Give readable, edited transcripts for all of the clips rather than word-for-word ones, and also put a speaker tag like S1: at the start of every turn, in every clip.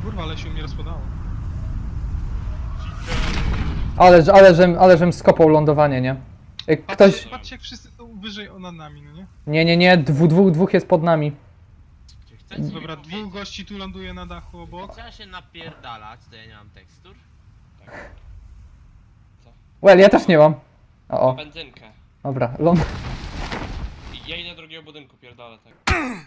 S1: Kurwa, ale się mnie rozpadało.
S2: Ale żem skopał lądowanie, nie? Ktoś...
S1: Patrzcie jak wszyscy są wyżej nad nami, no nie?
S2: Nie, dwóch jest pod nami.
S3: Czy chcecie mi
S1: Dobra,
S3: powiedzieć,
S1: dwóch gości tu ląduje na dachu obok.
S3: Trzeba się napierdalać, to ja nie mam tekstur.
S2: Well, ja też nie mam. O,
S4: Benzynkę.
S2: dobra,
S4: I ja idę do drugiego budynku, pierdolę tak.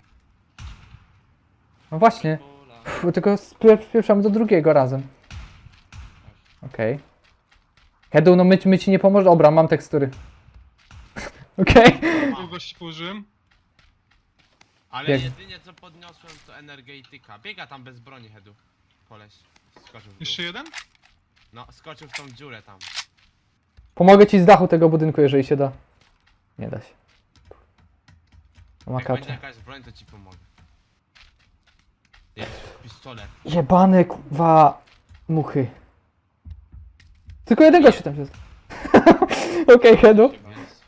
S2: No właśnie,
S4: Ula.
S2: tylko spieprzamy do drugiego razem. Okej. Hedu, no my ci nie pomoże. Dobra, mam tekstury. Okej.
S1: Dwóch gości położyłem.
S3: Ale
S2: Jak-
S3: jedynie co podniosłem to energetyka. Biega tam bez broni, Hedu. Koleś. Skoczył w dół.
S1: Jeszcze jeden?
S3: No, skoczył w tą dziurę tam.
S2: Pomogę ci z dachu tego budynku, jeżeli się da. Nie da się.
S3: Jak będzie
S2: Makacze.
S3: jakaś broń, to ci pomogę. Jest pistolet.
S2: Jebane kurwa muchy. Tylko jeden gościu tam jest. Okej, Hedu.
S3: Jest.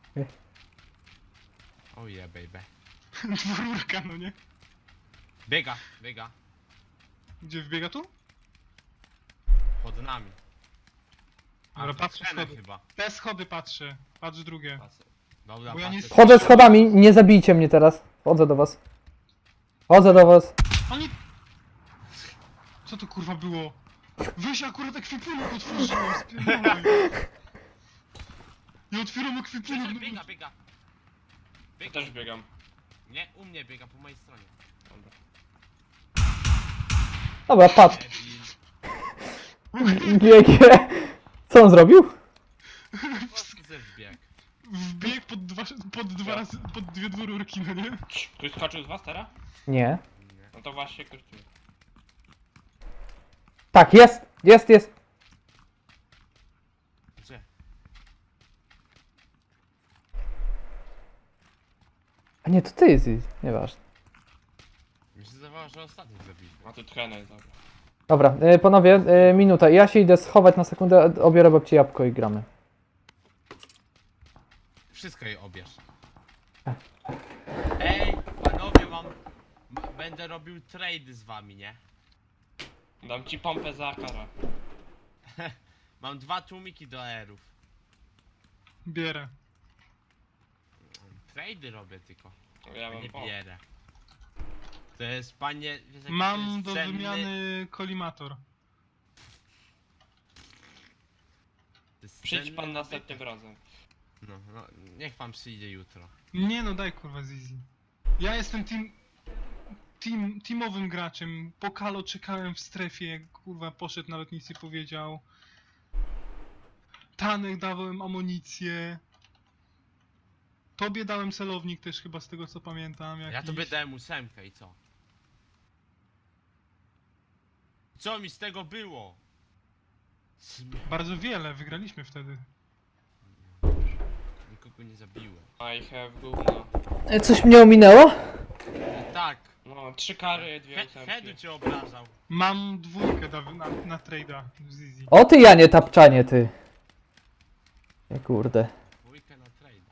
S3: Oh yeah, baby.
S1: Dwururka, no nie?
S3: Biega, biega.
S1: Gdzie wbiega tu?
S3: Pod nami.
S1: Dobra,
S3: to
S1: patrzę
S3: Henek
S1: schody.
S3: chyba.
S1: Te schody patrzę. Patrz drugie.
S3: Dobra,
S1: Bo ja nie
S3: patrzę.
S2: Chodzę schodami, nie zabijcie mnie teraz. Chodzę do was. Chodzę do was.
S1: Oni... Co to kurwa było? Weź akurat ekwipunek otworzyłem, spierdolaj. Ja otwieram ekwipunek.
S3: Biega, biega, biega.
S4: Ja
S3: Biega.
S4: też biegam.
S3: Nie, u mnie biega, po mojej stronie.
S4: Dobra.
S2: Dobra, patrz.
S3: Debil.
S2: GG. Co on zrobił?
S3: Po prostu ze wbieg.
S1: Wbieg pod dwa razy, pod dwie dwururki, no nie?
S4: Ktoś skoczył z was teraz?
S2: Nie.
S3: Nie.
S4: No to właśnie ktoś tu.
S2: Tak, jest.
S3: Gdzie?
S2: A nie, to ty jest. Nieważne.
S3: Mi się zdawało, że ostatni zabiliśmy.
S4: A tu tchena jest, dobra.
S2: Dobra, panowie, minuta. Ja się idę schować na sekundę, obiorę babci jabłko i gramy.
S3: Wszystko jej obierz. Ej, panowie, będę robił trade z wami, nie?
S4: Dam ci pompę za kara.
S3: Mam 2 tłumiki do aerów.
S1: Bierę.
S3: Trady robię tylko.
S4: Ja mam
S3: Nie
S4: pompę.
S3: bierę. To jest, panie... wiesz, jaki to
S1: Mam
S3: jest
S1: do
S3: cenny-
S1: wymiany kolimator.
S3: to jest
S4: Przyjdź
S3: cenny
S4: pan
S3: nabytek.
S4: następnym razem.
S3: No, niech pan przyjdzie jutro.
S1: Nie no, daj kurwa Zizi. Ja jestem teamowym graczem. Po Kalo czekałem w strefie, jak kurwa poszedł na lotnicy, powiedział. Tanek dałem amunicję. Tobie dałem celownik też chyba z tego co pamiętam.
S3: Ja
S1: Jakiś.
S3: tobie dałem 8 i co? Co mi z tego było?
S1: Bardzo wiele, wygraliśmy wtedy.
S3: Nikogo nie zabiłem.
S4: I have gówno.
S2: Coś mnie ominęło?
S3: Tak,
S4: No, 3 kary, 2
S3: Hedu
S4: ósemki.
S3: cię obrażał.
S1: Mam dwójkę na trade'a z Zizi.
S2: O ty Janie, tapczanie ty. Nie kurde.
S3: Dwójkę na trade.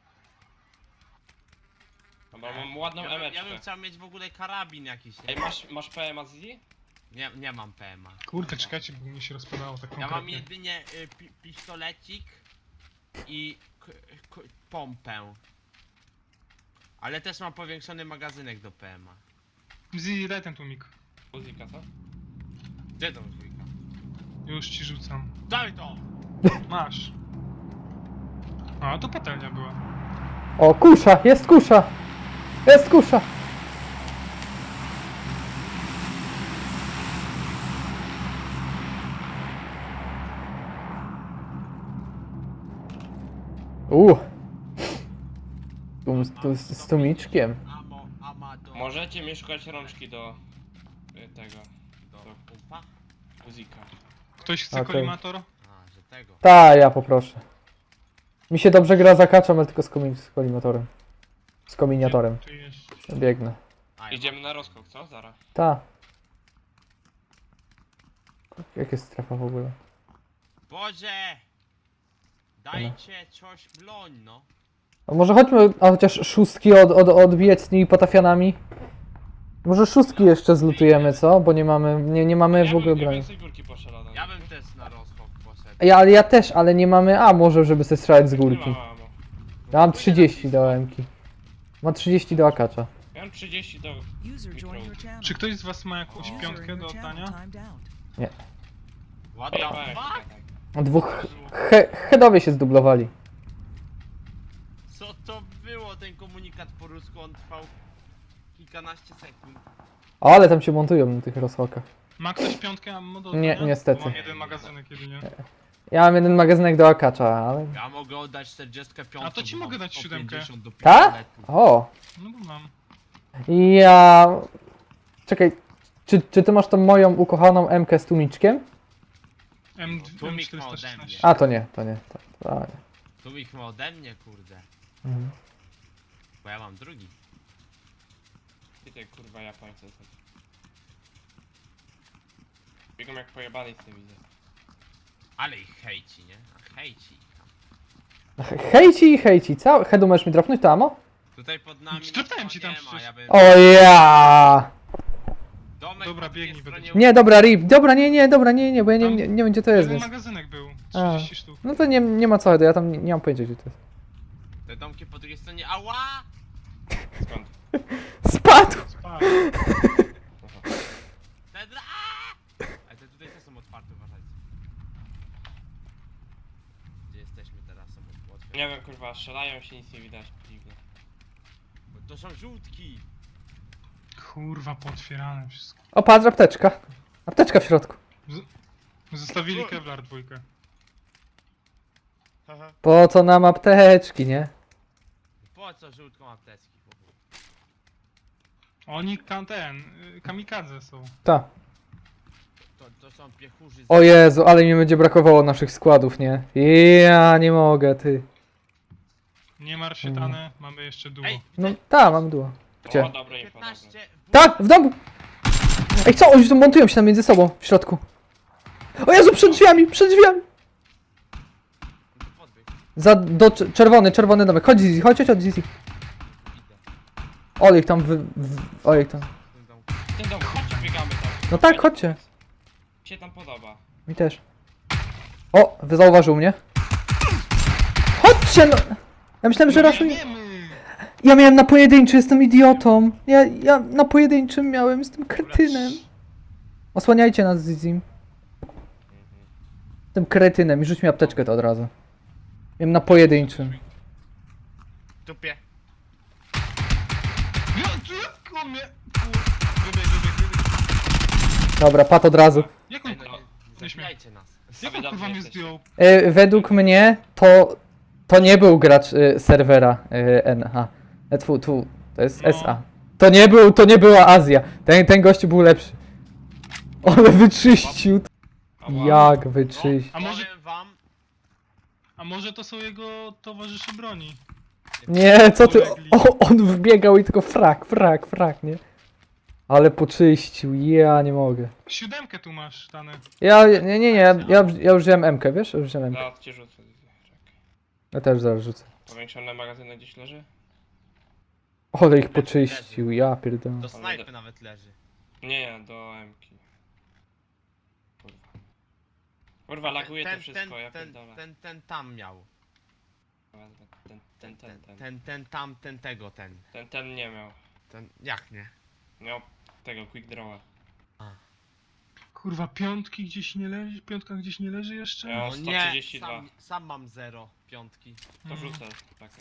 S4: Dobra, mam ładną
S3: Ja bym
S4: emeczkę.
S3: chciał mieć w ogóle karabin jakiś, nie?
S4: Ej, masz PMA z Zizi?
S3: Nie mam PMA.
S1: Kurde, czekajcie, bo mi się rozpadało tak
S3: Ja mam
S1: konkretnie.
S3: jedynie pistolecik i pompę. Ale też mam powiększony magazynek do PMA.
S1: Zizi, daj ten tłumik.
S4: Muzika, co?
S3: Gdzie to dwójka?
S1: Już ci rzucam.
S3: Daj to!
S1: Masz. A, to patelnia była.
S2: O, kusza, jest kusza. Jest kusza. Z tumiczkiem.
S3: Amado.
S4: Możecie mi szukać rączki do tego,
S3: Do pumpa?
S4: muzika.
S1: Ktoś chce
S2: Okej.
S1: kolimator?
S3: A, że tego.
S2: Ta, ja poproszę. Mi się dobrze gra za kaczem, ale tylko z kolimatorem. Z kominiatorem.
S1: Czy jest?
S2: Biegnę.
S3: A,
S4: Idziemy na rozkok, co? Zara.
S2: Ta. Jak jest strefa w ogóle?
S3: Boże! Dajcie coś bloń, no.
S2: A może chodźmy, a chociaż szóstki odbijać z tymi potafianami? Może szóstki jeszcze zlutujemy, co? Bo nie mamy, nie mamy w ogóle
S4: Ja
S2: broni.
S4: więcej górki poszedł.
S3: Ja bym też na rozchok poszedł.
S2: Ja też, ale nie mamy A może, żeby sobie strzelać z górki.
S4: Nie ma ammo.
S2: Ja mam 30 do M-ki. Mam 30 do akacza.
S4: Ja mam 30 do...
S5: User joined your channel.
S1: Czy ktoś z was ma jakąś
S5: User
S1: piątkę
S5: in
S1: do
S5: your channel
S1: oddania?
S5: timed out.
S3: What the
S4: Weź,
S3: fuck?
S2: Dwóch headowie się zdublowali.
S3: Co to było ten komunikat po rusku? On trwał kilkanaście sekund.
S2: O, ale tam się montują na tych rozchokach.
S1: Ma ktoś piątkę ammo do
S2: Nie,
S1: oddania?
S2: niestety.
S1: Bo mam jeden magazynek jedynie.
S2: Ja mam jeden magazynek do akacza, ale...
S3: Ja mogę oddać 45.
S1: A to ci
S3: bo mam
S1: mogę dać
S3: 150 do
S2: Ta?
S3: pistoletu.
S2: O!
S1: No bo mam.
S2: Ja... Czekaj, czy ty masz tą moją ukochaną M-kę z tłumiczkiem?
S3: Tłumik ma ode
S1: M416.
S3: mnie.
S2: A, to nie. To nie.
S3: Tu ich ma ode mnie, kurde.
S2: Mhm.
S3: Bo ja mam drugi.
S4: I te kurwa Japońcy. Biegam jak pojebany z tym widzę.
S3: Ale ich hejci, nie? A hejci ich tam.
S2: Hejci. Headu, możesz mi dropnąć to ammo?
S3: Tutaj pod nami
S1: Strzelałem
S3: nic
S1: ci tam
S3: nie ma,
S1: przecież.
S3: ja bym...
S2: O ja!
S3: Domek
S1: Dobra,
S3: po drugiej
S1: biegnij,
S3: stronie
S1: będę-
S2: Nie, dobra, RIP. Dobra, nie, bo ja nie wiem gdzie to jest,
S1: Jeden
S2: więc...
S1: magazynek był.
S2: A.
S1: 30 sztuk.
S2: No to nie ma co, Headu, ja tam nie mam pojęcia gdzie to jest.
S3: Te domki po drugiej stronie, ała!
S4: Skąd?
S2: Spadł!
S1: Spadł.
S3: Te dra... aaa! Ale te tutaj też są otwarte, uważajcie. Gdzie jesteśmy teraz? Są otwarte.
S4: Nie wiem kurwa, strzelają się, nic nie widać. Dziwne.
S3: Bo to są żółtki!
S1: Kurwa, pootwierane wszystko.
S2: O, patrz, apteczka. Apteczka w środku.
S1: Zostawili Kevlar dwójkę.
S3: Haha.
S2: Po co nam apteczki, nie?
S3: Po co żółtką apteczki? w ogóle?
S1: Oni kamikadze są.
S2: Ta.
S3: To są piechurzy z...
S2: O Jezu, ale mi będzie brakowało naszych składów, nie? Ja nie mogę, ty.
S1: Nie martw się, Tane, mamy jeszcze duo.
S3: Ej,
S2: No, ta, mam duo. Gdzie?
S4: O, dobre info, dobre.
S3: 15...
S2: Tak, w domu! Ej, co? Oni tu montują się tam między sobą, w środku. O Jezu, przed drzwiami! Czerwony domek. Chodź Zizi, chodź Zizi. Olej tam olej tam.
S4: Ten dom, chodźcie, biegamy tam.
S2: No tak, chodźcie.
S4: Mi się tam podoba.
S2: Mi też. O, zauważył mnie. Chodźcie no! Ja myślałem, że raz...
S1: Biegniemy!
S2: Ja miałem na pojedynczy, jestem idiotą. Ja na pojedynczym miałem, jestem kretynem. Osłaniajcie nas Zizim. Jestem kretynem i rzuć mi apteczkę to od razu. Miałem na pojedynczym.
S3: Tupie.
S1: Jak on mnie... Wybieg.
S2: Dobra, pat od razu.
S1: Jak on...
S3: Ej, no nie zabijajcie nas.
S1: Jak
S4: Wy
S1: on
S4: dobrze
S1: kurwa mnie
S4: jesteście.
S1: zdjął?
S2: Według mnie to nie był gracz serwera NH. To jest
S1: No.
S2: SA. To nie była Azja. Ten gościu był lepszy. Ale wyczyścił.
S4: Ała.
S2: Jak wyczyścił.
S1: A może-
S3: Powiem wam...
S1: A może to są jego towarzysze broni?
S2: Nie, co ty? On wbiegał i tylko frak, nie? Ale poczyścił, ja nie mogę.
S1: 7 tu masz, Tane.
S2: Nie, ja już wziąłem M-kę, wiesz? Już wziąłem M-kę.
S4: Zaraz cię rzucę. Czekaj.
S2: Ja też zaraz rzucę.
S4: Powiększony magazyn gdzieś leży?
S2: Ale ich poczyścił, ja pierdolę.
S3: Do snajpy nawet leży.
S4: Nie, do M-ki. Kurwa. Kurwa, laguje to wszystko, ja pierdolę.
S3: ten tam miał.
S4: Ten nie miał.
S3: Jak nie?
S4: Miał tego quick drawa.
S1: Kurwa, piątki gdzieś nie leży? Piątka gdzieś nie leży jeszcze?
S4: Ja-
S3: No
S4: 132.
S3: nie, sam mam 0, piątki.
S4: To rzucę takę.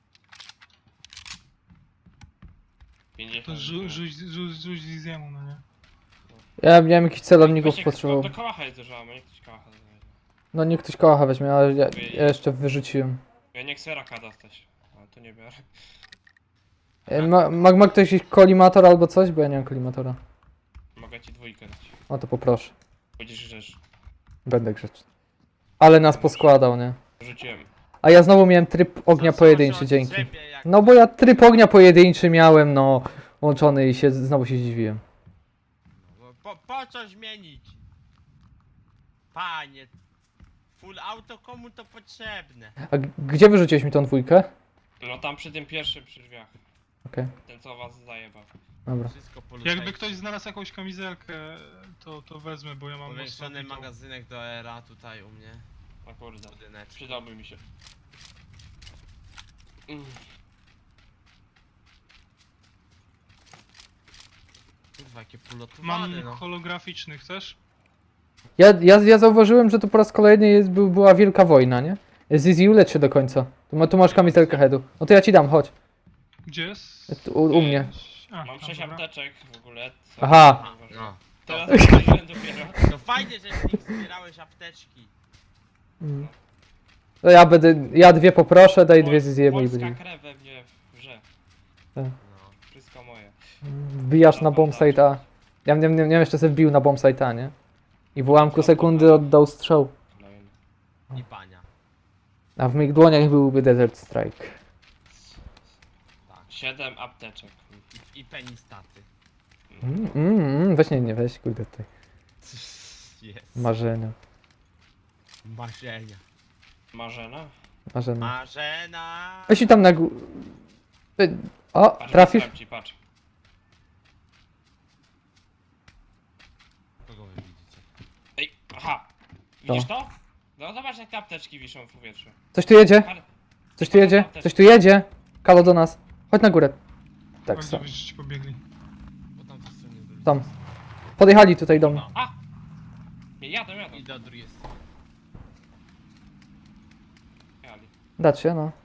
S4: 50.
S1: To rzuć Ziziemu, no nie?
S2: Ja miałem jakichś celowników
S4: Właśnie,
S2: potrzebował.
S4: Do kałacha jest dużo, a nie ktoś kałacha znajdzie.
S2: No niech ktoś kocha weźmie, ale ja jeszcze wyrzuciłem.
S4: Ja nie chcę raka dostać. Ale to nie biorę.
S2: Ma ktoś jakiś kolimator albo coś? Bo ja nie mam kolimatora.
S4: Mogę ci dwójkę dać.
S2: O to poproszę.
S4: Będziesz rzecz.
S2: Będę grzeczny. Ale nas poskładał, nie?
S4: Rzuciłem.
S2: A ja znowu miałem tryb ognia
S3: Co
S2: pojedynczy,
S3: się od
S2: dzięki.
S3: ciebie, jak-
S2: No bo ja tryb ognia pojedynczy miałem, no, łączony i znowu się zdziwiłem.
S3: Po co zmienić? Panie, full auto komu to potrzebne?
S2: A gdzie wyrzuciłeś mi tą dwójkę?
S4: No tam przy tym pierwszym przy drzwiach.
S2: Okej.
S4: Ten co was zajebał.
S2: Dobra.
S3: Wszystko polutaj.
S1: Jakby ktoś znalazł jakąś kamizelkę, to wezmę, bo ja mam
S3: Powiększony
S1: mocno pitą.
S3: magazynek do era tutaj u mnie.
S4: O kurde,
S3: Budyneczek.
S4: przydałby mi się.
S3: Kurwa, jakie polotowane,
S1: Mam
S3: no.
S1: holograficzny, chcesz?
S2: Ja zauważyłem, że tu po raz kolejny była wielka wojna, nie? Zizi, ulecz się do końca. Tu masz kamizelkę headu. No to ja ci dam, chodź.
S1: Gdzie jest?
S2: U mnie.
S1: A,
S4: Mam
S1: tam,
S4: 6
S1: dobra.
S4: apteczek w ogóle. co
S2: Aha.
S4: nie ważne.
S3: No.
S4: Teraz zauważyłem dopiero.
S3: No fajnie, że z nich zbierałeś apteczki.
S2: To ja dwie poproszę, daj dwie Ziziemu i
S4: Polska
S2: będzie.
S4: krew we mnie wrze.
S3: No.
S4: Wszystko moje.
S2: Wbijasz na bombsite A. Ja nie wiem, jeszcze sobie wbił na bombsite A, nie? I w ułamku sekundy oddał strzał.
S4: Kolejny.
S3: I pania.
S2: A w moich dłoniach byłby Desert Strike.
S3: Tak.
S4: 7 apteczek.
S3: I penistaty.
S2: Weź nie weź, kurde tutaj.
S3: Jest.
S2: Marzenia.
S3: Marzenia.
S4: Marzena?
S2: Marzenia.
S3: Marzena.
S2: Weź i tam na górę. O,
S4: Patrz,
S2: trafisz?
S4: wysłałem ci, patrz.
S3: Kogo wy widzicie?
S4: Ej, aha! Widzisz to? No zobacz jak te apteczki wiszą w powietrzu.
S2: Coś tu jedzie?
S4: Par-
S2: Coś tu jedzie? Coś tu jedzie? Kalo do nas. Chodź na górę. Tak,
S1: Bardzo
S2: są.
S1: byście ci pobiegli.
S3: Po tamtej stronie do
S2: Tam. Podjechali tutaj do mnie.
S4: No, a! Nie, jadą.
S3: I do drugiej strony.
S4: Jali.
S2: Dać się, no.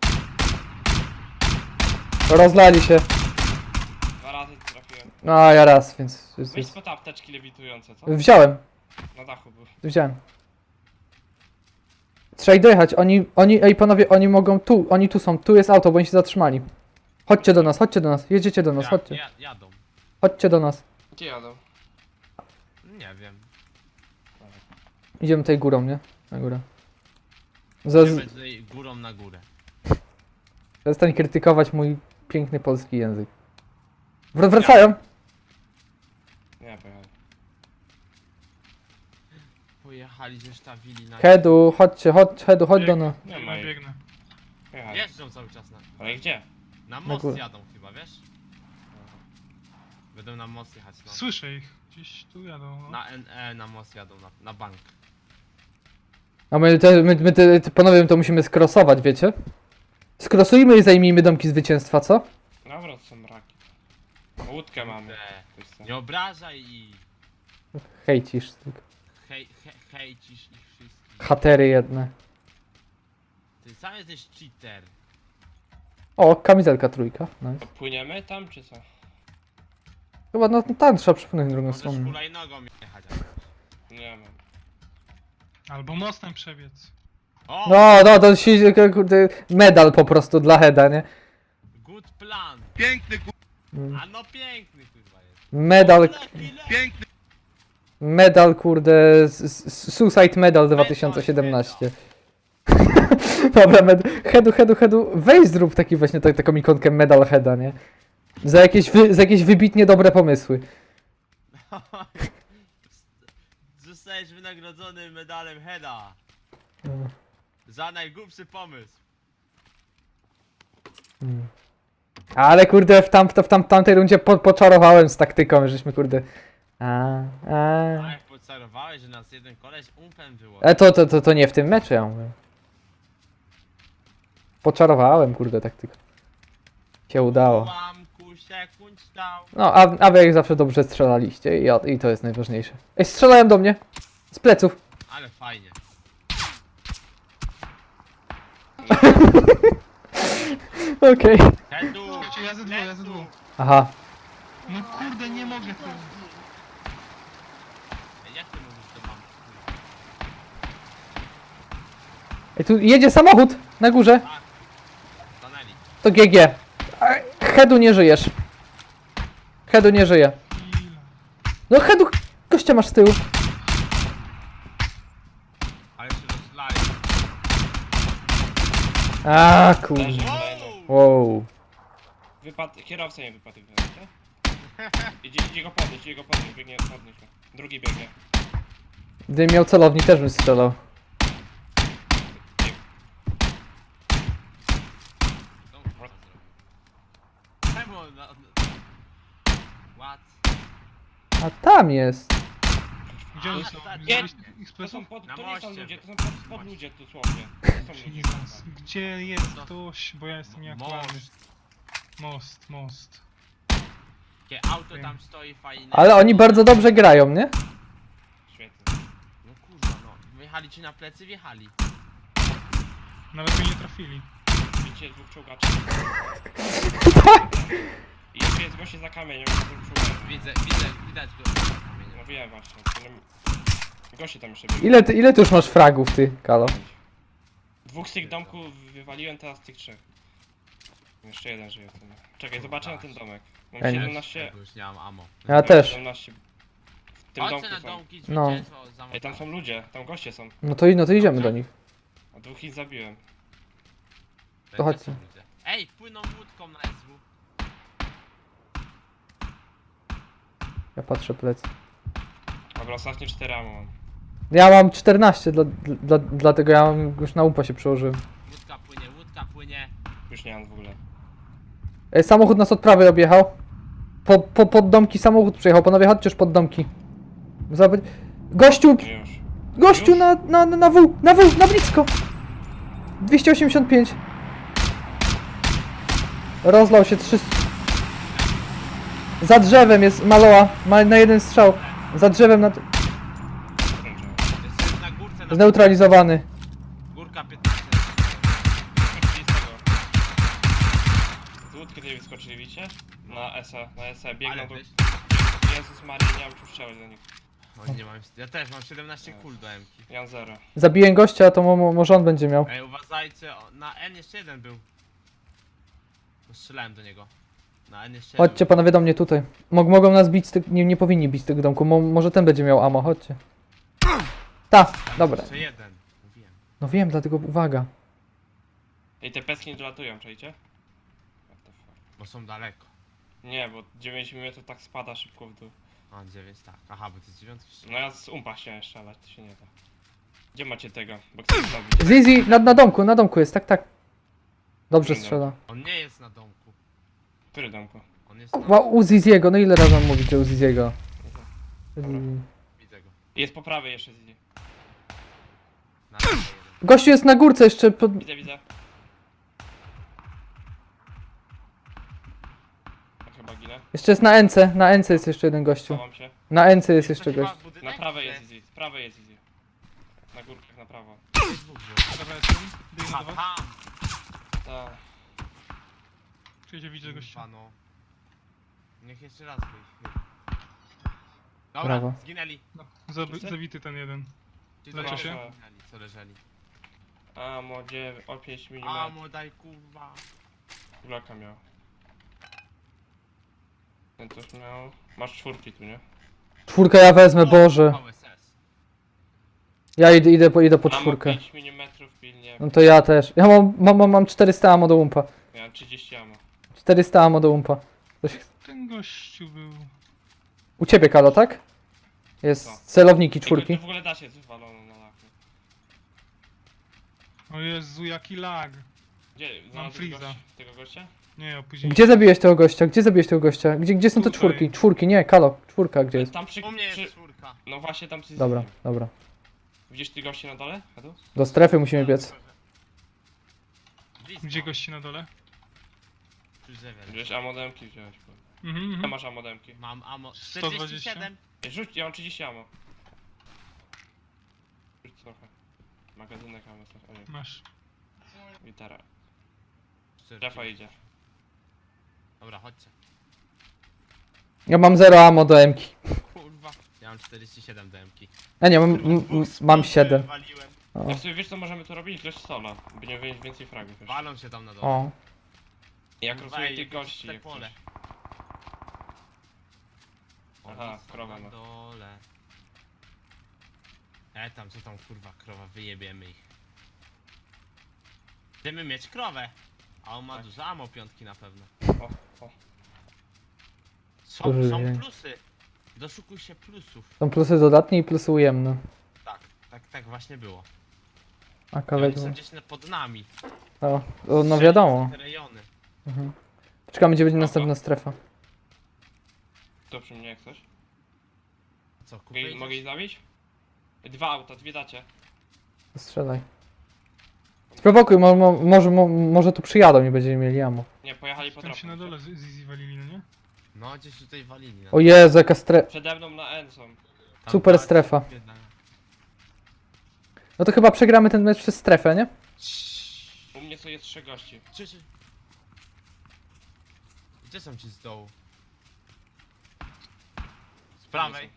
S2: Rozlali się.
S4: 2 razy trafiłem.
S2: No, a ja raz, więc...
S4: Weź po te apteczki lewitujące, co?
S2: Wziąłem.
S4: Na dachu był.
S2: Wziąłem. Trzeba ich dojechać. Ej panowie, oni mogą tu. Oni tu są. Tu jest auto, bo oni się zatrzymali. Chodźcie do nas. Jedziecie do nas, chodźcie.
S3: Jadą.
S2: Chodźcie do nas.
S4: Gdzie jadą?
S3: Nie wiem.
S2: Idziemy tutaj górą, nie? Na górę.
S3: Idziemy tutaj górą na górę.
S2: Przestań krytykować mój piękny polski język. Wracają!
S4: Nie, pojechali.
S3: Pojechali, zestawili na...
S2: Hedu, Hedu, chodź do nas.
S4: Nie ma ich.
S1: Biegnę.
S4: Pojechali.
S3: Jeżdżą cały czas na...
S4: Ale gdzie?
S3: Na most
S2: górę.
S3: jadą chyba, wiesz? Będą na most jechać, no.
S1: Słyszę ich. Gdzieś tu jadą. No.
S3: Na NE na most jadą, na bank.
S2: A panowie, to musimy skrosować, wiecie? Skrosujmy i zajmijmy domki zwycięstwa, co?
S4: Dobra, to są raki. Łódkę mamy. Ktoś chce.
S3: Nie obrażaj i
S2: Hejcisz tylko.
S3: hejcisz ich wszystkich.
S2: Hatery jedne.
S3: Ty sam jesteś cheater.
S2: O, kamizelka trójka. Nice.
S4: Płyniemy tam, czy co?
S2: Chyba no tam trzeba przepłynąć drugą
S3: Możesz
S2: stronę.
S3: hulajnogą jechać.
S4: Nie mam.
S1: Albo mostem przebiec.
S3: O!
S2: No, to się, kurde, medal po prostu dla Heda, nie?
S3: Good plan!
S5: Piękny
S2: Mm.
S3: A no piękny kurwa jest.
S2: Medal,
S3: Lepiej.
S5: piękny
S2: medal, kurde, Suicide Medal 2017. Dobra, Hedu, weź zrób taki właśnie taką ikonkę Medal Heda, nie? Za jakieś wybitnie dobre pomysły.
S3: Zostajesz wynagrodzony medalem Heda.
S2: Mm.
S3: Za najgłupszy pomysł.
S2: Ale kurde, w tamtej rundzie poczarowałem z taktyką, żeśmy kurde...
S3: A jak pocarowałeś, że nas jeden koleś umpem było.
S2: To nie w tym meczu, ja mówię. Poczarowałem, kurde, taktyką. Się udało.
S3: Ułamku sekund stał.
S2: No, a wy jak zawsze dobrze strzelaliście i to jest najważniejsze. Ej, strzelają do mnie! Z pleców.
S3: Ale fajnie.
S2: Okej.
S3: Hedu!
S1: Słuchajcie, ja ze dwóch, ja ze dwóch.
S2: Aha.
S1: No kurde, nie mogę tu.
S3: Jak ty mówisz, to mam?
S2: Ej, tu jedzie samochód na górze.
S3: Tak. Stanęli.
S2: To GG. Hedu nie żyjesz. Hedu nie żyje.
S1: Ile?
S2: No Hedu, gościa masz z tyłu.
S3: Ale się rozlali.
S2: A kurde.
S4: Leży kolejny.
S2: Wow.
S4: Kierowca nie wypadł, nie? Idzie go podnieść, biegnie, podnieść go. Drugi biegnie.
S2: Gdybym miał celownik, też bym strzelał.
S3: Co on kurwa zrobił? Czemu on
S2: A tam jest.
S1: Gdzie oni
S3: A,
S1: są?
S3: tak,
S1: Widziałeś
S4: To
S1: ekspresów?
S4: są pod,
S3: Na
S4: to nie są
S3: moście.
S4: ludzie, to są pod ludzie dosłownie. To są ludzie.
S1: Jesus. Gdzie jest ktoś? Bo ja jestem nieaktualny. Most.
S3: Jakie auto tam stoi fajne.
S2: Ale oni bardzo dobrze grają, nie?
S4: Świetnie.
S3: No kurwa no. Wjechali ci na plecy, wjechali.
S1: Nawet mnie nie trafili.
S4: Widzicie dwóch czołgaczy. I jeszcze jest goście za kamieniem, z tym czołgaczem.
S3: Widać go.
S4: No wiem właśnie. Goście tam jeszcze byli.
S2: Ile ty już masz fragów, ty, Kalo?
S4: Dwóch z tych domków wywaliłem, teraz z tych trzech. Jeszcze jeden żyje. To nie. Czekaj, zobaczę na ten domek. Mam
S2: Ja nie.
S4: 17.
S3: Bo już nie mam ammo.
S2: Ja też.
S4: 17. W tym
S3: Chodźcie
S4: domku
S3: na
S4: są.
S3: domki,
S2: No.
S3: zwycięstwo za
S4: Ej, tam są ludzie, tam goście są.
S2: No to idziemy do nich.
S4: A dwóch ich zabiłem.
S2: To chodźcie.
S3: Ej, płyną łódką na SW.
S2: Ja patrzę plec.
S4: Dobra, ostatnie 4 ammo mam.
S2: Ja mam 14, dlatego ja już na umpa się przełożyłem.
S3: Łódka płynie.
S4: Już nie mam w ogóle.
S2: Samochód nas od prawej objechał. Pod domki samochód przyjechał. Panowie, chodźcie już pod domki. Zobacz. Gościu!
S4: No już.
S2: Gościu
S4: Już?
S2: na blisko! 285. Rozlał się 300. Za drzewem jest Maloa. Ma na jeden strzał. Za drzewem
S4: Kończę.
S3: Jest na górce. Na
S2: zneutralizowany.
S3: Górka 15.
S4: Z łódki tutaj wyskoczyli, widzicie? Na SE, biegną
S3: Ale
S4: do...
S3: weź.
S4: Jezus Maria, nie mam czym strzelać do nich.
S3: Oj, nie mam. Ja też mam 17 kul do M-ki.
S4: Ja mam 0.
S2: Zabiję gościa, to może on będzie miał.
S3: Ej, uważajcie, na N jeszcze jeden był. Bo strzelałem do niego. Na N jeszcze jeden.
S2: Chodźcie panowie do mnie tutaj. Mogą nas bić, nie powinni bić z tego domku. Może ten będzie miał ammo, chodźcie. Ta, dobra.
S3: Jeszcze jeden. Mówiłem.
S2: No wiem, dlatego uwaga.
S4: Ej, te peski nie dolatują, czajcie? What the fuck?
S3: Bo są daleko.
S4: Nie, bo 9 mm to tak spada szybko w dół.
S3: A, 9 tak. Aha, bo to jest 9.
S4: No ja z umpa chciałem strzelać, to się nie da. Gdzie macie tego? Bo chcę zrobić.
S2: Zizi, na domku jest, tak. Dobrze strzela.
S3: On nie jest na domku.
S4: Który domku?
S3: On jest na...
S2: U Ziziego, no ile razy mam mówić, że u Ziziego?
S3: Widzę go.
S4: Jest po prawej jeszcze z
S3: Na lewo jeden.
S2: Gościu jest na górce jeszcze pod...
S4: Widzę. Ja chyba ginę.
S2: Jeszcze jest na NC jest jeszcze jeden gościu.
S4: Chowam się.
S2: Na NC jest
S3: to
S2: jeszcze
S3: chyba
S2: gość.
S3: budynek,
S4: Na prawej
S3: czy-
S4: jest Easy, z prawej jest Easy. Na górkach na prawo.
S3: Jest dwóch było.
S1: Dobra, jestem. Biegnę do was.
S3: Aha,
S4: Tak.
S1: Przyjdzie, widzę gościa.
S3: kurwa, no. Niech jeszcze raz wyjdzie. Dobra,
S2: Brawo.
S3: zginęli.
S1: No, zabity ten jeden.
S3: Ci
S1: Leczę
S3: co
S1: się?
S3: zginęli, co leżeli.
S4: Amo 9, o 5 mm.
S3: Amo, daj kurwa.
S4: Kulaka miał. Ten też miał. Masz czwórki tu, nie?
S2: Czwórkę ja wezmę, Boże.
S3: VSS.
S2: Ja idę po
S4: Amo
S2: czwórkę.
S4: 5 mm pilnie.
S2: No to ja też. Ja mam 400 ammo do umpa.
S4: Miałem 30 amo.
S2: 400 ammo do umpa.
S1: Ten gościu był...
S2: U ciebie, Kalo, tak?
S4: Co?
S2: Jest celowniki
S4: Ej,
S2: czwórki.
S4: tu w ogóle da się zwalone na laku.
S1: O Jezu, jaki lag.
S4: Gdzie?
S1: Mam
S4: Znalazłeś
S1: freeza.
S4: tego gościa?
S1: Nie, opóźnienie.
S2: Gdzie zabiłeś tego gościa? Gdzie są te
S1: Tutaj.
S2: czwórki? Czwórki, nie, Kalo, czwórka gdzie jest?
S4: Tam przy...
S3: U mnie
S4: przy...
S3: jest czwórka.
S4: No właśnie tam przy...
S2: Dobra, dobra.
S4: Widzisz ty gości na dole? Edu?
S2: Do strefy musimy biec.
S3: Blisko.
S1: Gdzie gości na dole?
S3: Przy drzewie.
S4: Wiesz, amodemki wziąłeś.
S1: Mhm,
S4: Ile
S1: mhm.
S4: masz amodemki?
S3: Mam amo.
S1: 120?
S3: 47.
S4: Ej, rzuć, ja mam 30 amo. Rzuć trochę. Magazynek amo, coś. O nie,
S1: Masz.
S4: gitara.
S3: 40.
S4: Strefa idzie.
S3: Dobra, chodźcie.
S2: Ja mam 0 ammo do MK.
S3: Kurwa. Ja mam 47 DMki.
S2: A nie, mam 7.
S3: Waliłem.
S2: O.
S4: Jak sobie wiesz co możemy tu robić? Dość sola. Będziemy wiedzieć więcej fragów jeszcze.
S3: Walą się tam na dole.
S2: O.
S4: Jak
S3: Kurwa,
S4: rozumiem
S3: ej,
S4: tych
S3: jakieś
S4: gości,
S3: te
S4: jak
S3: pole.
S4: coś.
S3: Oni
S4: Aha,
S3: są
S4: krowa
S3: na
S4: ma.
S3: dole. Tam, co tam kurwa, krowa, wyjebiemy ich. Chcemy mieć krowę. A on ma
S4: Tak.
S3: dużo amo piątki na pewno.
S4: O, o.
S3: Są
S2: Ojej.
S3: plusy. Doszukuj się plusów.
S2: Są plusy dodatnie i plusy ujemne.
S3: Tak właśnie było.
S2: A
S3: I oni
S2: kawałek.
S3: są gdzieś pod nami.
S2: No wiadomo.
S3: Te rejony.
S2: Mhm. Czekamy, gdzie będzie następna strefa.
S4: To przy mnie jak coś?
S3: Co, kupę
S4: Mogę ich zabić? 2 auta, 2 dacie.
S2: Strzelaj. Sprowokuj, może tu przyjadą i będziemy mieli ammo.
S4: Nie, pojechali po
S1: Tam się na
S4: drodze.
S1: dole z Easy walili, no nie?
S3: No, gdzieś tutaj walili. No.
S2: O Jezu, jaka strefa.
S4: Przede mną na N są.
S3: Tam
S2: super
S3: tak,
S2: strefa.
S3: biedna.
S2: No to chyba przegramy ten mecz przez strefę, nie?
S4: U mnie są jest 3 gości.
S3: Czy. Gdzie są ci z dołu? Z prawej.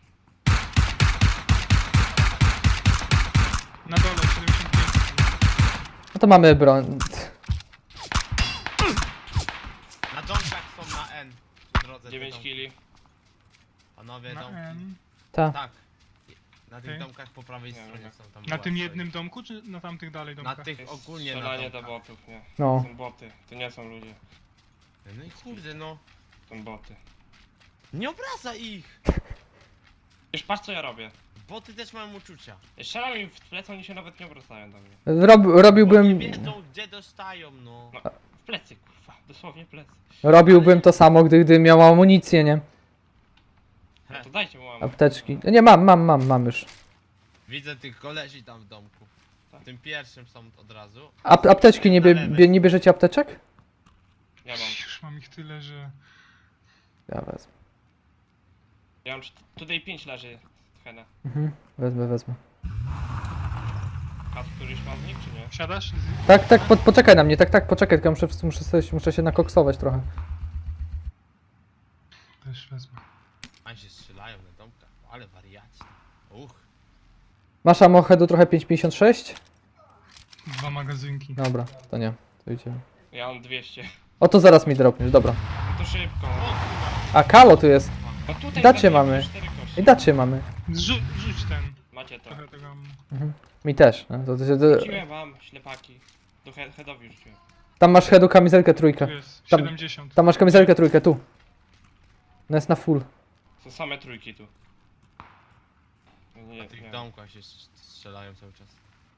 S1: Na dole, 75.
S2: No to mamy broń.
S3: Na domkach są na N. Przy drodze. te
S4: 9
S3: domki.
S4: killi.
S3: Panowie,
S1: Na
S3: domki.
S1: N.
S2: Ta.
S3: Tak. Na tych
S1: Okej.
S3: domkach po prawej
S4: Nie,
S3: stronie
S4: nie.
S3: są tam.
S1: Na
S3: była
S1: tym
S3: stoi.
S1: jednym domku, czy na tamtych dalej
S3: Na
S1: domkach?
S3: tych ogólnie na
S4: Strzelanie do
S3: domkach.
S4: botów, nie.
S2: No.
S4: To są boty, to nie są ludzie.
S3: No i kurde no.
S4: To są boty.
S3: Nie obraca ich!
S4: Już patrz co ja robię.
S3: Boty też mają uczucia.
S4: Strzelam im w plecy, oni się nawet nie obracają do mnie.
S3: Bo nie
S2: Robiłbym...
S3: wiedzą gdzie dostają no.
S4: No, w plecy kurwa, dosłownie w plecy.
S2: Robiłbym to samo, gdy miał amunicję, nie?
S4: No to dajcie mu ammo.
S2: Apteczki. Nie, mam już.
S3: Widzę tych kolesi tam w domku.
S4: Tak.
S3: W tym pierwszym są od razu.
S2: Apteczki, nie bierzecie apteczek?
S4: Ja mam.
S1: Już mam ich tyle, że...
S2: Ja wezmę.
S4: Ja mam tutaj 5 leży. Hena.
S2: Mhm, wezmę.
S4: A któryś ma z nich czy nie?
S1: Wsiadasz?
S2: Tak, poczekaj na mnie, poczekaj, tylko muszę się nakoksować trochę.
S1: Też wezmę.
S3: A się strzelają na domkach. Ale wariaci.
S2: Masz amochedu trochę 5,56?
S1: 2 magazynki.
S2: Dobra, to nie, to idziemy.
S4: Ja mam 200.
S2: O, to zaraz mi dropniesz, dobra.
S4: No to szybko.
S2: A, Kalo tu jest.
S4: No tutaj
S2: Dacie
S4: zabiłem
S2: mamy.
S4: 4 kości.
S2: I dacie mamy.
S1: Rzuć ten.
S4: Macie to.
S1: Trochę tego ammo.
S2: Mi też. No,
S4: Rzuciłem wam, ślepaki. Do headowi rzuciłem.
S2: tam masz headu kamizelkę trójkę.
S1: Tu jest
S2: Tam-
S1: 70.
S2: Tam masz kamizelkę trójkę, tu. No jest na full.
S4: Są same trójki tu. No nie,
S3: Na tych
S4: nie.
S3: domkach się strzelają cały czas.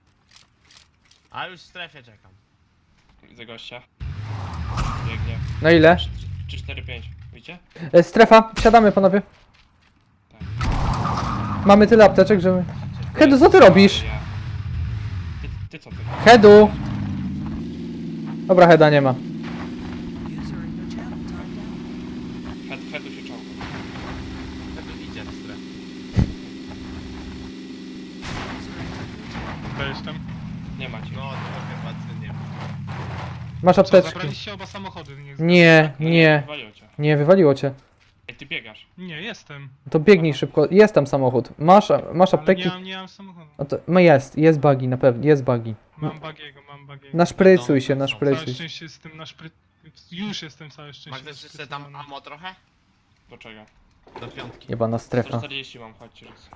S3: A już w strefie czekam.
S4: Widzę gościa. Biegnie.
S2: Na ile?
S4: 3-4-5. Widzicie?
S2: Strefa, siadamy panowie.
S4: Tak.
S2: Mamy tyle apteczek, że... Hedu, co ty robisz?
S4: Ja. Ty co ty?
S2: Hedu! Dobra, Heda nie ma.
S4: Headu się czołga.
S3: Wtedy idzie na strefę.
S1: To jestem.
S4: Nie macie.
S3: No to chyba ty nie ma.
S2: Masz
S1: Co,
S2: apteczki.
S1: zabraliście oba samochody?
S2: Nie,
S4: No
S2: nie,
S4: wywaliło cię.
S2: nie, wywaliło cię.
S4: Ej, ty biegasz.
S1: Nie, jestem.
S2: To biegnij szybko, jest tam samochód. Masz
S1: Ale
S2: apteki?
S1: nie mam samochodu.
S2: No to, no jest buggy, na pewno, jest buggy.
S1: Mam bagiego.
S2: Naszprycuj się,
S3: Całe
S1: Całe
S2: naszprycuj się.
S1: szczęście jestem na szpry... Już jestem całe szczęście.
S3: Masz jeszcze tam
S1: naszprycowany.
S3: ammo trochę?
S4: Do czego?
S3: Do piątki.
S2: Jebana strefa.
S4: 140 mam, chodźcie raz.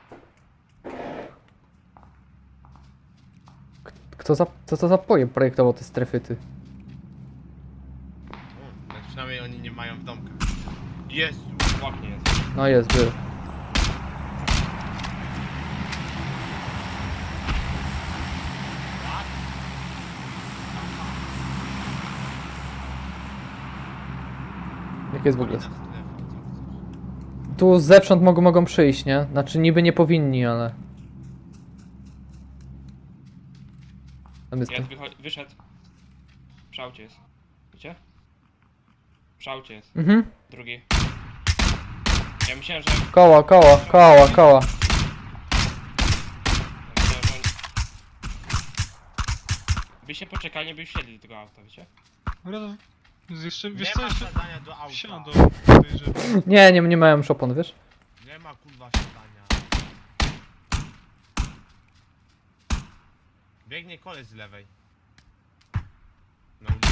S2: Co to za pojem projektował te strefy, ty?
S3: No, przynajmniej oni nie mają w domkach. Jezu!
S4: W oknie jest.
S2: No jest, był. Jak jest w ogóle?
S3: Oni na strefę, co chcesz?
S2: Tu zewsząd mogą przyjść, nie? Znaczy niby nie powinni, ale... Tam jest...
S4: Jest, wyszedł. Przy aucie jest. Widzicie? Przy aucie jest.
S2: Mhm.
S4: Drugi. Ja myślałem, że...
S2: Koła.
S4: Ja myślałem, że oni... By się poczekali, by wsiedli do tego auta, wiecie?
S1: Dobra, to... Jeszcze,
S3: Nie
S1: wiesz co,
S3: ma
S1: jeszcze...
S3: wsiadania do auta.
S1: Wsiadą. Podejrzewam.
S2: Nie mają już opon, wiesz?
S3: Nie ma kurwa wsiadania. Biegnie koleś z lewej. Na ulicy.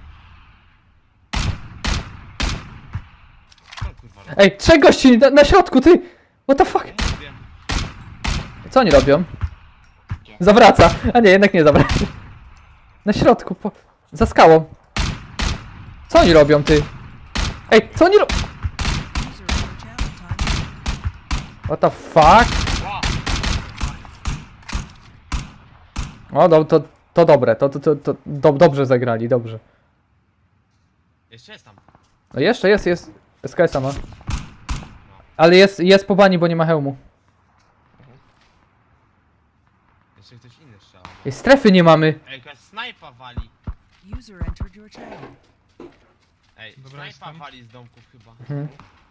S3: Co on, kurwa robi?
S2: Ej, 3 gości na środku, ty! What the fuck?
S3: Mówię.
S2: Co oni robią?
S4: Gdzie?
S2: Zawraca. A nie, jednak nie zawraca. Na środku, za skałą. Co oni robią, ty? Ej, co oni robią? What the fuck? O, to dobre, dobrze zagrali, dobrze.
S3: Jeszcze jest tam.
S2: No jeszcze jest. SKS ma.
S3: No.
S2: Ale jest po bani, bo nie ma hełmu.
S3: Jeszcze ktoś inny strzela.
S2: Ej, strefy nie mamy.
S3: Ej, jakaś snajpa wali.
S5: User entered your channel.
S3: Ej,
S1: Dobra,
S3: snajpa
S1: jestem.
S3: wali z domków chyba.
S2: Mhm.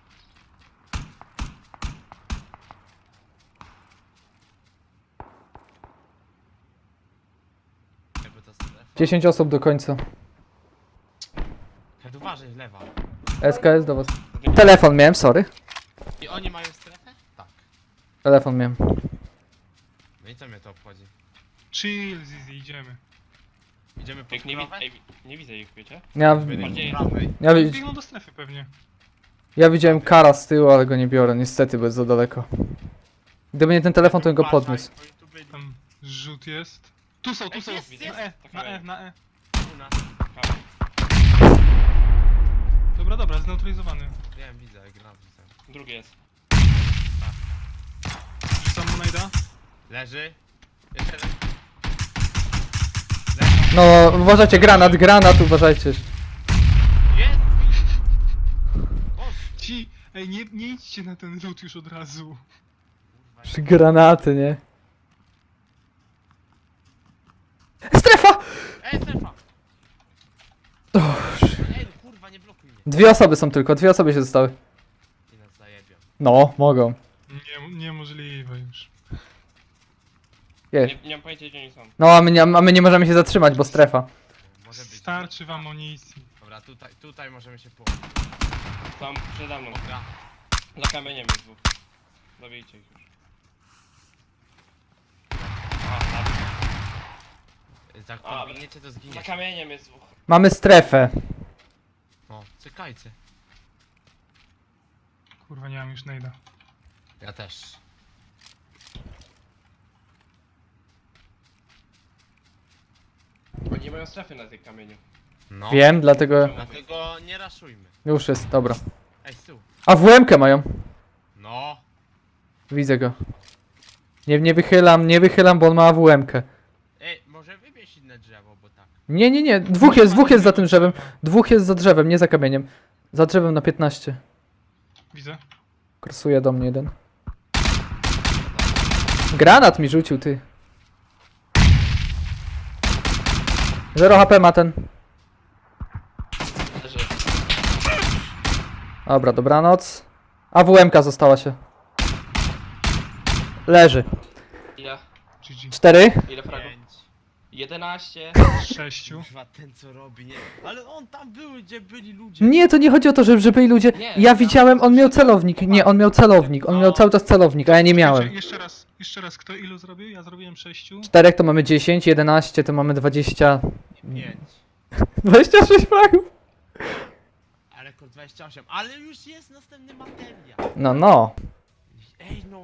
S3: Jakby to strefa.
S2: 10 osób do końca.
S3: Head, uważaj, lewa.
S2: SKS do was. Telefon miałem, sorry.
S3: I oni mają strefę? Tak.
S2: Telefon miałem.
S3: No i co mnie to obchodzi?
S1: Chill, Zizi, idziemy.
S3: Idziemy pod
S4: Jak nie,
S3: krowę?
S4: nie widzę ich, wiecie?
S2: Ja,
S4: Bardziej-
S3: Prawej.
S1: Biegną do strefy pewnie.
S2: ja widziałem kara z tyłu, ale go nie biorę, niestety, bo jest za daleko. Gdyby nie ten telefon, to bym go
S3: Uważaj,
S2: podniósł.
S3: oni tu byli.
S1: Tam rzut jest. Tu są, tu
S3: Ej,
S1: są.
S3: jest,
S1: Na
S3: jest.
S1: E, na E, na E.
S3: U nas.
S4: Kamień.
S1: Dobra, dobra, zneutralizowany.
S3: Wiem, widzę, gram widzę.
S4: Drugi jest.
S1: Rzucam mu najda.
S3: Leży. Jeszcze jeden.
S2: No, uważajcie, granat, uważajcie.
S3: Jest! Boże,
S1: Ci, ej, nie idźcie na ten rzut już od razu.
S3: kurwa.
S2: Granaty, nie? Strefa!
S3: Ej, strefa! Ej, kurwa, nie blokuj mnie.
S2: 2 osoby są tylko, 2 osoby się zostały.
S3: I nas zajebią.
S2: No, mogą.
S1: Niemożliwe już.
S2: Jest.
S4: Nie mam pojęcia, gdzie oni są.
S2: No, a my nie możemy się zatrzymać, bo strefa.
S3: Może być.
S1: Starczy wam amunicji.
S3: Dobra, tutaj możemy się położyć.
S4: Tam przede mną.
S3: Dobra.
S4: Za kamieniem jest dwóch. Zabijcie ich już. A,
S3: Jak
S4: A,
S3: pobiegniecie, to
S4: za
S3: zginiecie.
S4: kamieniem jest dwóch.
S2: Mamy strefę.
S3: O, czekajcie.
S1: Kurwa, nie mam już najda.
S3: Ja też.
S4: Bo nie mają strefy na tych kamieniu.
S3: No.
S2: Wiem, dlatego
S3: Dlatego nie raszujmy.
S2: już jest, dobra.
S3: Ej, z tyłu.
S2: A WM-kę mają.
S3: No.
S2: Widzę go. Nie wychylam, bo on ma AWM-kę.
S3: Ej, może wybierz inne drzewo, bo tak.
S2: Nie, dwóch jest za tym drzewem. Dwóch jest za drzewem, nie za kamieniem. Za drzewem na 15.
S1: Widzę.
S2: Krosuje do mnie jeden. Granat mi rzucił, ty. 0 HP ma ten.
S4: Leży.
S2: Dobra, dobranoc. AWM-ka została się. Leży.
S4: Ile?
S1: GG.
S2: 4.
S4: Ile fragów?
S3: 5.
S4: 11.
S1: 6.
S3: Kurwa, ten co robi, nie? Ale on tam był, gdzie byli ludzie.
S2: Nie, to nie chodzi o to, że byli ludzie.
S4: Nie,
S2: Ja widziałem, on miał celownik. Nie, on miał celownik. On miał cały czas celownik, a ja nie miałem.
S1: Jeszcze raz, kto ilu zrobił? Ja zrobiłem 6.
S2: 4 to mamy 10, 11 to mamy 20.
S3: 5.
S2: 26 fragów.
S3: Ale kod 28. Ale już jest następny materiał.
S2: No.
S3: Ej, no.